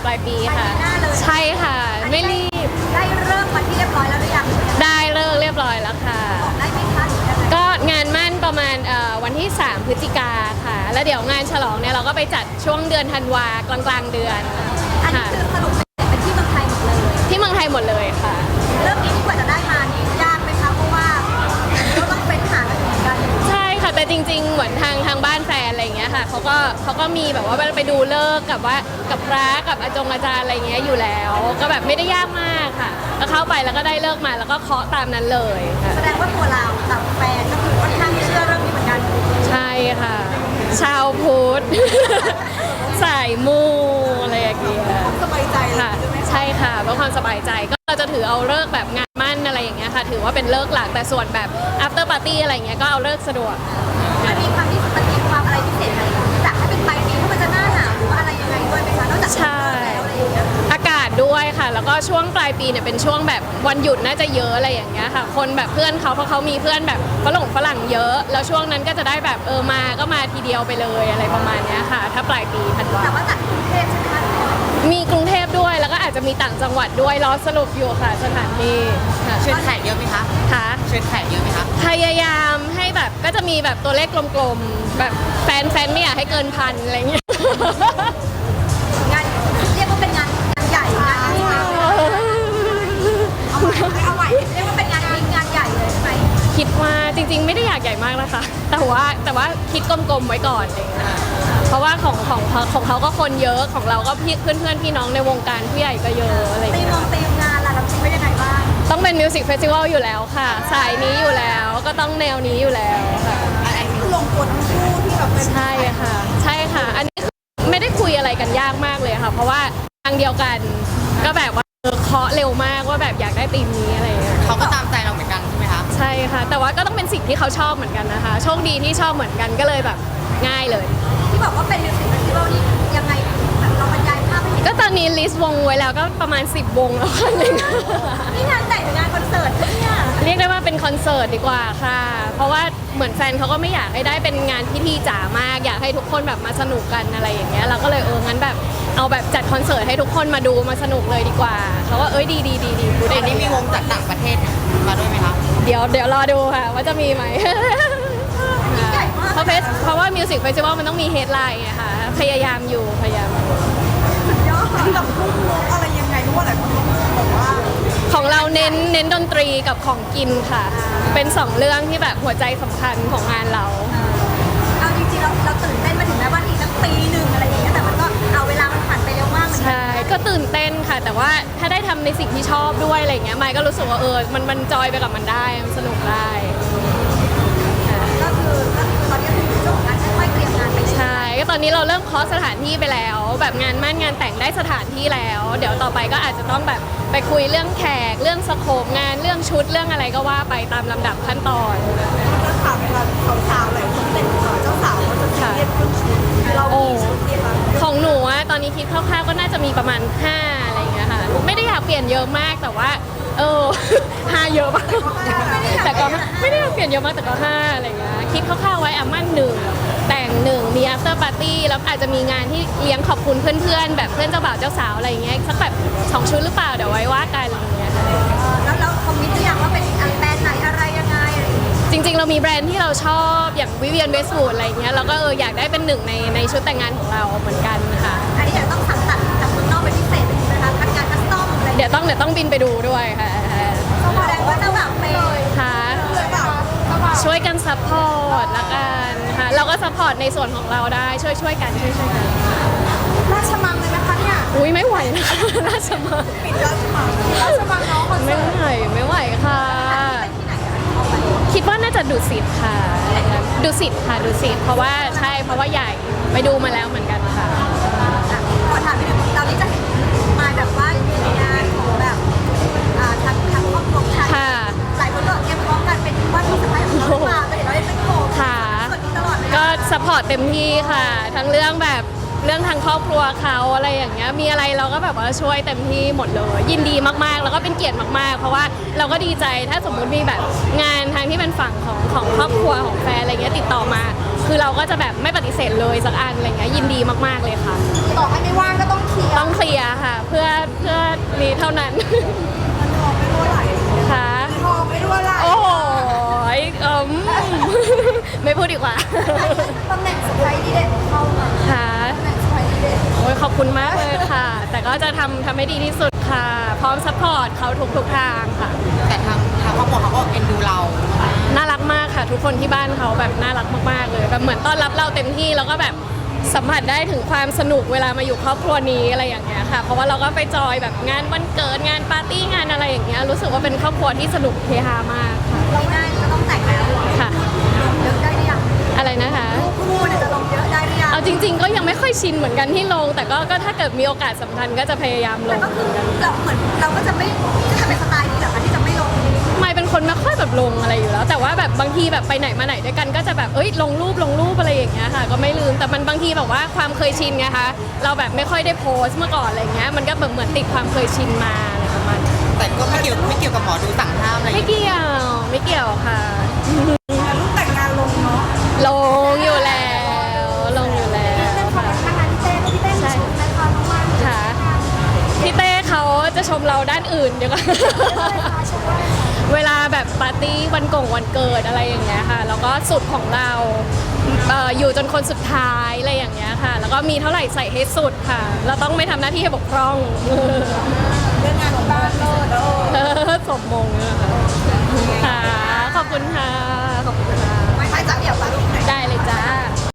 ลายปีค่ะใช่ค่ะไม่รีบได้เริ่มวันที่เรียบร้อยแล้วหรือยังได้เลิกเรียบร้อยแล้วค่ะได้ไหมคะก็งานมั่นประมาณวันที่3 พฤศจิกาค่ะแล้วเดี๋ยวงานฉลองเนี่ยเราก็ไปจัดช่วงเดือนธันวากลางๆเดือนอันนี้คือสรุปเป็นที่เมืองไทยหมดเลยที่เมืองไทยหมดเลยค่ะเรื่องนี้ที่กว่าจะได้มานี่ยากไหมคะเพราะว่าเราต้องเป็นหากันเหมือนกันใช่ค่ะแต่จริงๆเหมือนทางบ้านแฟนอะไรอย่างเงี้ยค่ะเขาก็มีแบบว่าไปดูเลิกกับว่ากับพระกับอาจารย์อะไรเงี้ยอยู่แล้วก็แบบไม่ได้ยากมากค่ะก็เข้าไปแล้วก็ได้เลิกมาแล้วก็เคาะตามนั้นเลยแสดงว่าตัวเรากับแฟนก็คือค่อนข้างเชื่อเรื่องนี้เหมือนกันใช่ค่ะชาวพุทธสายมูอะไรอย่างเงี้ยสบายใจค่ะใช่ค่ะเพื่อความสบายใจก็เราจะถือเอาเลิกแบบงานมั่นอะไรอย่างเงี้ยค่ะถือว่าเป็นเลิกหลักแต่ส่วนแบบ after party อะไรเงี้ยก็เอาเลิกสะดวกมันมีความอะไรพิเศษอะไรจากให้เป็นปลายปีถ้ามันจะหน้าหนาวหรือว่าอะไรยังไงด้วยไหมคะนอกจากแล้วอะไรอย่างเงี้ยอากาศด้วยค่ะแล้วก็ช่วงปลายปีเนี่ยเป็นช่วงแบบวันหยุดน่าจะเยอะอะไรอย่างเงี้ยค่ะคนแบบเพื่อนเขาเพราะเขามีเพื่อนแบบฝรั่งเยอะแล้วช่วงนั้นก็จะได้แบบมาก็มาทีเดียวไปเลยอะไรประมาณเนี้ยค่ะถ้าปลายปีธันวาแต่ว่าจากกรุงเทพใช่ไหมคะมีกรุงเทพด้วยแล้วก็อาจจะมีต่างจังหวัดด้วยรอสรุปอยู่ค่ะสถานที่เชิญแขกเยอะไหมคะค่ะเชิญแขกเยอะไหมคะพยายามให้แบบก็จะมีแบบตัวเลขกลมๆแบบแฟนไม่อยากให้เกินพันอะไรเงี้ยงานเรียกว่าเป็นงานใหญ่งานนี้เอาใหม่เรียกว่าเป็นงานใหญ่เลยใช่ไหมคิดว่าจริงๆไม่ได้อยากใหญ่มากนะคะแต่ว่าคิดกลมๆไว้ก่อนอะไรเงี้ยเพราะว่าของเขาก็คนเยอะของเราก็เพื่อนพี่น้องในวงการผู้ใหญ่ก็เยอะอะไรตีมงานล่ะเราคิดไว้ยังไงบ้างต้องเป็นมิวสิกเฟสติวัลอยู่แล้วค่ะสายนี้อยู่แล้วก็ต้องแนวนี้อยู่แล้วค่ะอันนี้คือลงตัวทั้งคู่ที่แบบเป็นใช่ค่ะอันนี้ไม่ได้คุยอะไรกันยากมากเลยค่ะเพราะว่าทางเดียวกันก็แบบว่าเคาะเร็วมากว่าแบบอยากได้ธีมนี้อะไรอย่างเงี้ยเขาก็ตามใจเราเหมือนกันใช่ไหมคะใช่ค่ะแต่ว่าก็ต้องเป็นสิ่งที่เขาชอบเหมือนกันนะคะโชคดีที่ชอบเหมือนกันก็เลยแบบง่ายเลยที่บอกว่าเป็นมิวสิกเฟสติวัลนี่ยังไงแบบเราบรรยายภาพให้ก็ตอนนี้ลิสต์วงไว้แล้วก็ประมาณ10 วงแล้วค่ะนี่งานแต่งงานคอนเสิร์ตเนี่ยเรียกได้ว่าเป็นคอนเสิร์ตดีกว่าค่ะเพราะว่าเหมือนแฟนเขาก็ไม่อยากให้ได้เป็นงานพิธีจ๋ามากอยากให้ทุกคนแบบมาสนุกกันอะไรอย่างเงี้ยเราก็เลยงั้นแบบเอาแบบจัดคอนเสิร์ตให้ทุกคนมาดูมาสนุกเลยดีกว่าเขาว่าดีพูดได้นี่มีวงจากต่างประเทศมาด้วยไหมคะเดี๋ยวรอดูค่ะว่าจะมีไหมเพราะว่ามิวสิกเฟสติวัลมันต้องมีเฮดไลน์ไงค่ะพยายามสุดยอดกับวงอะไรยังไงเพราะว่าหลายคนบอกว่าของเราเน้นดนตรีกับของกินค่ะเป็น2 เรื่องที่แบบหัวใจสำคัญของงานเราเอาจริงๆเราตื่นเต้นมาถึงแม้ว่าอีกตั้งปีหนึ่งอะไรอย่างเงี้ยแต่มันก็เอาเวลามันผ่านไปเร็วมากเหมือนกันใช่ก็ตื่นเต้นค่ะแต่ว่าถ้าได้ทำในสิ่งที่ชอบด้วยอะไรเงี้ยไมค์ก็รู้สึกว่ามันจอยไปกับมันได้มันสนุกได้ก็คือตอนนี้คือช่วงของการค่อยๆเตรียมงานไปใช่ก็ตอนนี้เราเริ่มเคาะสถานที่ไปแล้วแบบงานมั่นงานแต่งได้สถานที่แล้วเดี๋ยวต่อไปก็อาจจะต้องแบบไปคุยเรื่องแขกเรื่องสโคปงานเรื่องชุดเรื่องอะไรก็ว่าไปตามลำดับขั้นตอนจะถามเวลาสาวๆอะไรคนเป็นเจ้าสาวเขาจะเรียกเรื่องชุดเราของหนูอะตอนนี้คิดคร่าวๆก็น่าจะมีประมาณ5อะไรอย่างเงี้ยค่ะไม่ได้อยากเปลี่ยนเยอะมากแต่ว่า5เยอะมากแต่ก็ไม่ได้อยากเปลี่ยนเยอะมากแต่ก็5อะไรอย่างเงี้ยคิดคร่าวๆไว้มั่น1แต่ง1มี after party แล้วอาจจะมีงานที่เลี้ยงขอบคุณเพื่อนๆแบบเพื่อนเจ้าบ่าวเจ้าสาวอะไรอย่างเงี้ยสักแบบ2 ชุดหรือเปล่าเดี๋ยวไว้ว่ากันอะไรอย่างเงี้ยแล้วคอมมิตหรือยังว่าเป็นแบรนด์ไหนอะไรยังไงจริงๆเรามีแบรนด์ที่เราชอบอย่างวิเวียนเวสต์วูดอะไรเงี้ยเราก็อยากได้เป็น1ในชุดแต่งงานของเราเหมือนกันค่ะอันนี้เดี๋ยวต้องสั่งตัดจากเมืองนอกเป็นพิเศษเป็นนะคะคัดงานคัสตอมอะไรเดี๋ยวต้องบินไปดูด้วยค่ะแสดงว่าเจ้าบ่าวเลยค่ะช่วยกันซัพพอร์ตละกันค่ะเราก็ซัพพอร์ตในส่วนของเราได้ช่วยกันราชมังเลยนะคะเนี่ยอุ้ยไม่ไหวนะคะราชมังปิดราชมังน้องคนไม่ไหวค่ะคิดว่าน่าจะดุสิตค่ะดุสิตเพราะว่าใหญ่ไปดูมาแล้วเหมือนกันค่ะขอถามนิดนึงเรานี่จะเห็นมาแบบว่าอยู่ในงานของแบบทางครอบครัวชายหลายคนก็เตรียมพร้อมกันเป็นว่าที่สะพ้ายของเรามาแต่เห็นเราเป็นโขค่ะก็ซัพพอร์ตเต็มที่ค่ะทั้งเรื่องแบบเรื่องทางครอบครัวเขาอะไรอย่างเงี้ยมีอะไรเราก็แบบว่าช่วยเต็มที่หมดเลยยินดีมากๆแล้วก็เป็นเกียรติมากๆเพราะว่าเราก็ดีใจถ้าสมมุติมีแบบงานทางที่เป็นฝั่งของครอบครัวของแฟนอะไรเงี้ยติดต่อมา คือเราก็จะแบบไม่ปฏิเสธเลยสักอันอะไรเงี้ยยินดีมากๆเลยค่ะต่อให้ไม่ว่างก็ต้องเคลียร์ต้องเคลียร์ค่ะ เพื่อนี้เท่านั้นทองไม่รั่วไหลค่ะทองไม่รั่วไหลโอ้โหไม่พูดดีกว่าตำแหน่งสไปดีเด่นเข้ามาค่ะตำแหน่งสไปดีเด่นโอ้ยขอบคุณมากเลยค่ะ แต่ก็จะทำให้ดีที่สุดค่ะ พร้อมซัพพอร์ตเขาทุกทางค่ะแต่ทางครอบครัวเขาก็เอ็นดูเราน่ารักมากค่ะ ทุกคนที่บ้านเขาแบบน่ารักมากๆเลยแบบเหมือนต้อนรับเราเต็มที่แล้วก็แบบสัมผัสได้ถึงความสนุกเวลามาอยู่ครอบครัวนี้อะไรอย่างเงี้ยค่ะ เพราะว่าเราก็ไปจอยแบบงานวันเกิดงานปาร์ตี้งานอะไรอย่างเงี้ยรู้สึกว่าเป็นครอบครัวที่สนุกเฮฮามากค่ะเราได้จะต้องแต่งแล้วค่ะเยอะได้หรือยังอะไรนะคะคู่เนี่ยจะลงเยอะได้หรือยังเอาจริง ๆ ก็ยังไม่ค่อยชินเหมือนกันที่ลง แต่ก็ถ้าเกิดมีโอกาสสำคัญก็จะพยายามลแต่งก็คือเราเหมือนเราก็จะไม่จะเป็นสไตล์นี้เหรอคะที่จะไม่ลงไม่เป็นคนไม่ค่อยแบบลงอะไรอยู่แล้ว แต่ว่าแบบบางทีแบบไปไหนมาไหนด้วยกันก็จะแบบลงรูปอะไรอย่างเงี้ยค่ะ ก็ไม่ลืมแต่มันบางทีแบบว่าความเคยชินไงคะเราแบบไม่ค่อยได้โพสต์เมื่อก่อนอะไรเงี้ยมันก็แบบเหมือนติดความเคยชินมาอะไรประมาณนั้นแต่ก็ไม่เกี่ยวกับหมอดูสั่งห้ามอะไรอย่างไม่เงี้ยเกี่ยวค่ะรูปแต่งงานลงเนาะลงอยู่แล้วลงอยู่แล้วค่ะทางนั้นพี่เต้ชมนะคะน้องมันค่ะพี่เต้เขาจะชมเราด้านอื่นเดี๋ยวก่อนชมว่าเวลาแบบปาร์ตี้วันเกิดอะไรอย่างเงี้ยค่ะ แล้วก็สุดของเราอยู่จนคนสุดท้ายอะไรอย่างเงี้ยค่ะ แล้วก็มีเท่าไหร่ใส่ให้สุดค่ะ เราต้องไม่ทำหน้าที่ให้บกพร่องเรื่องงานของบ้านโลดสมมงค่ะ ขอบคุณค่ะ ขอบคุณค่ะไม่จับเดี่ยวปาร์ตี้ไหนได้เลยจ้า